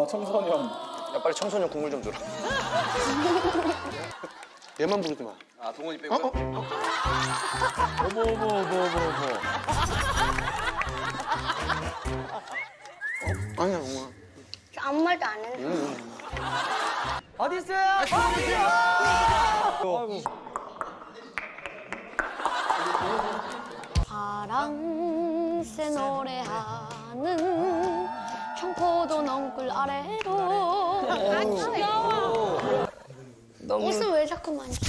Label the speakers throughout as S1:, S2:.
S1: 청소년.
S2: 야 빨리 청소년 국물 좀 줘라.
S3: 얘만 부르지 마.
S2: 아 동원이 빼고.
S1: 어머.
S3: 아니야, 엄마.
S4: 저 아무 말도 안 했는데.
S5: 어디 있어요?
S4: 파랑새 노래하는 청포도 넝굴 아래로. 아 귀여워. 옷은 왜 자꾸 만져?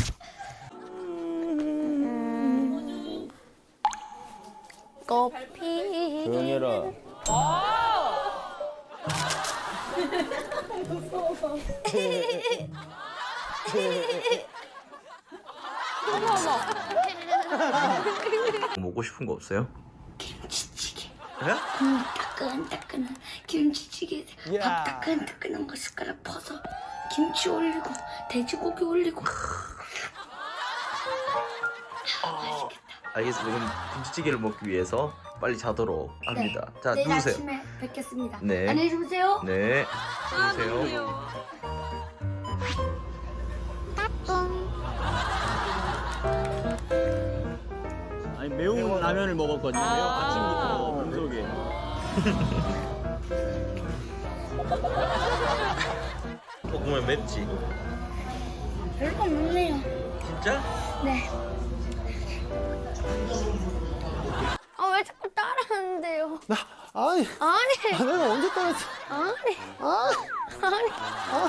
S4: 꽃피.
S1: 조용히 해라.
S6: 먹고 싶은 거 없어요?
S4: 김치찌개.
S6: 그래?
S4: 따끈따끈한 김치찌개. 밥 따끈따끈한 거 숟가락 퍼서 김치 올리고 돼지고기 올리고.
S6: 알겠습니다. 그럼 김치찌개를 먹기 위해서 빨리 자도록 합니다. 자,
S4: 내일
S6: 누우세요.
S4: 아침에 뵙겠습니다.
S6: 네.
S4: 안녕히 주무세요.
S6: 네. 누우세요.
S1: 아니 매운 라면을 먹었거든요. 아침부터 몸속에.
S6: 볶으면 맵지?
S4: 별거 없네요.
S6: 진짜?
S4: 네. 아 왜 자꾸 따라하는데요?
S3: 아니,
S4: 아니.
S3: 내가 언제 따랐어?
S4: 아니.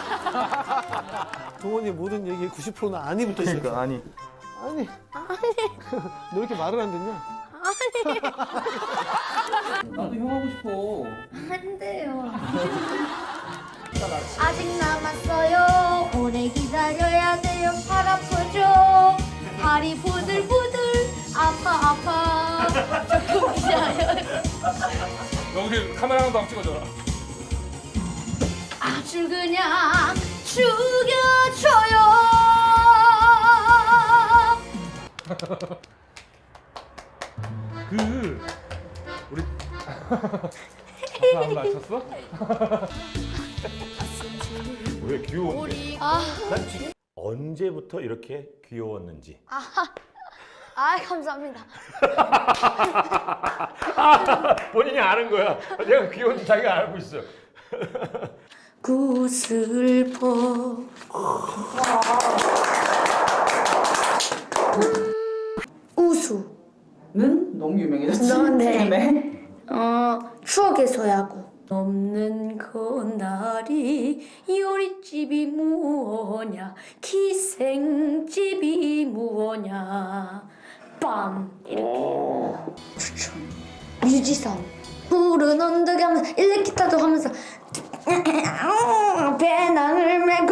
S3: 동원이 모든 얘기에 90%는 아니 붙어 있으니까.
S1: 아니.
S3: 아니. 너 이렇게 말을 안 듣냐?
S5: 나도 형 하고 싶어.
S4: 안 돼요. 아직 남았어요. 오래 기다려야 돼요. 팔 아프죠? 발이 부들부들 아파. 조금 기다려요.
S7: 여기 카메라 하나도 한번 찍어줘라.
S4: 아주 그냥 죽여줘요.
S7: 우리 안 맞췄어?
S8: 왜 귀여운데?
S4: 아,
S8: 언제부터 이렇게 귀여웠는지.
S4: 감사합니다.
S8: 본인이 아는 거야. 내가 귀여운지 자기가 알고 있어.
S4: 구슬퍼 우수는
S5: 너무 유명해졌지.
S4: 네. 추억의 소야구. 없는 그날이 요리집이 무엇냐 기생집이 무엇냐 빰 이렇게 추천 뮤지션 푸른 언덕에 하면서 일렉기타도 하면서 배낭을 메고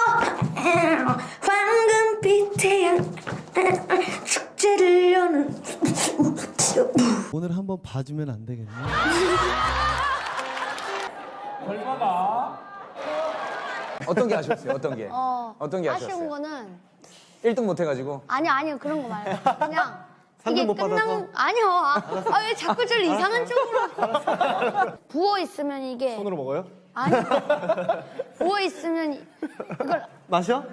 S4: 황금빛 태양 축제를 여는
S3: 오늘 한번 봐주면 안 되겠냐?
S2: 어떤 게 아쉬웠어요? 어떤 게? 어떤 게
S4: 아쉬운
S2: 아쉬웠어요?
S4: 거는
S2: 1등 못 해가지고.
S4: 아니요 그런 거 말고 그냥 이게
S3: 못 받아서?
S4: 아니요 왜 자꾸 저를 이상한 쪽으로 부어 있으면 이게
S3: 손으로 먹어요?
S4: 아니 부어 있으면 이걸
S3: 마셔?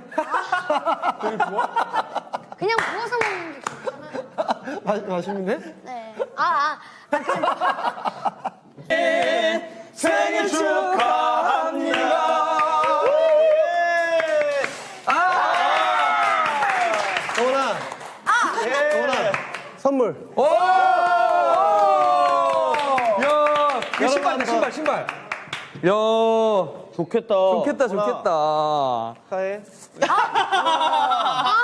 S4: 그냥 부어서 먹는 게 좋잖아요.
S3: 마시면 돼?
S4: 네.
S1: 생일 축하합니다.
S3: 동원아. 동원아. 선물.
S2: 야, 그 신발이다 신발. 야,
S1: 좋겠다.
S2: 좋겠다.
S3: 축하해.